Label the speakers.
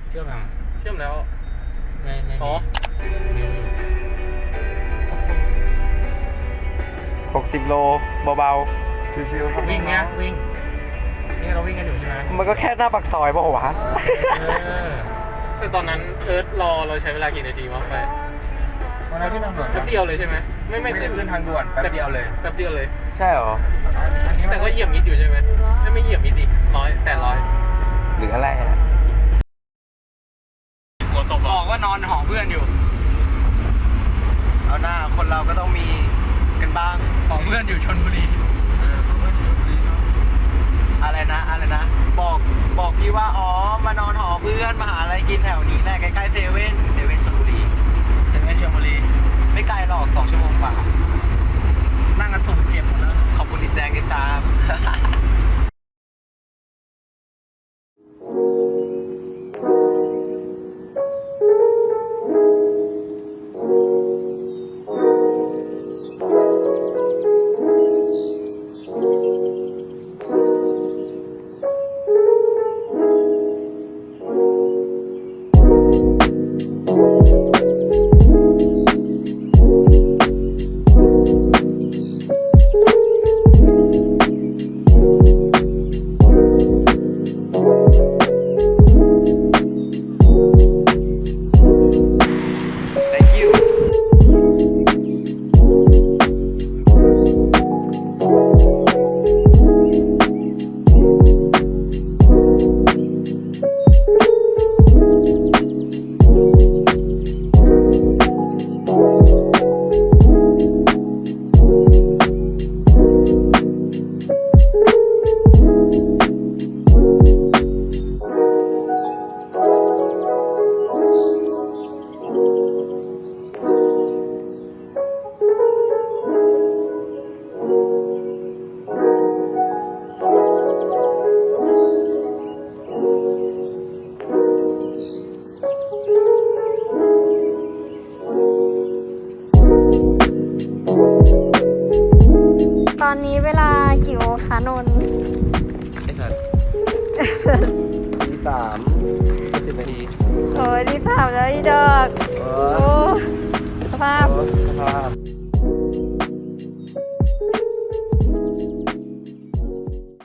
Speaker 1: เชื่อมยัง
Speaker 2: เชื่อมแล้ว
Speaker 1: ไม่
Speaker 2: อ๋อ
Speaker 3: 60 โลเบาๆชิวๆครับ
Speaker 1: วิ่งเนี้ยวิ่งนี่เราวิ่งกันอยู่ใช่ไหม
Speaker 3: มันก็แค่หน้าปากซอยเปล่าวะ
Speaker 2: แต่ตอนนั้นเอิร์ธรอเราใช้เวลากี่นาทีวะไป
Speaker 4: วันนั้นที่ทางด่วน
Speaker 2: แป๊บเดียวเลยใช่ไหมไม่
Speaker 4: ไม่ได้
Speaker 2: ขึ้น
Speaker 4: ขึ้นทางด่วนแป๊บเดียวเลย
Speaker 2: แป๊บเดียวเลย
Speaker 3: ใช่เหรอ
Speaker 2: แต่ก็เหยียบมิดอยู่ใช่ไหมไม่เหยียบมิดดิ100
Speaker 3: หรืออะไรอะ
Speaker 2: หัวตก
Speaker 1: บอกว่านอนหอเพื่อนอยู่
Speaker 3: เอาหน้าคนเราก็ต้องมีกันบ้าง
Speaker 1: หอเพื่อนอยู่ชลบุรี
Speaker 3: อะไรนะบอกพี่ว่าอ๋อมานอนหอเพื่อนมาหาอะไรกินแถวนี้แหละใกล้ๆเซเว่นชลบุรี
Speaker 1: เซเว่นชลบุรี
Speaker 3: ไม่ไกลหรอก2 ชั่วโมงกว่า
Speaker 1: นั่งกันตูดเจ็บหมดแล้ว
Speaker 3: ขอบคุณที่แจ้งให้ทราบ Thank you
Speaker 5: ตอนนี้เวลากี่โมงคะนนท์
Speaker 3: ไอ้สัตว์ที่ 3 10 นาที
Speaker 5: โอ้ยที่ถามแล้วอีดอ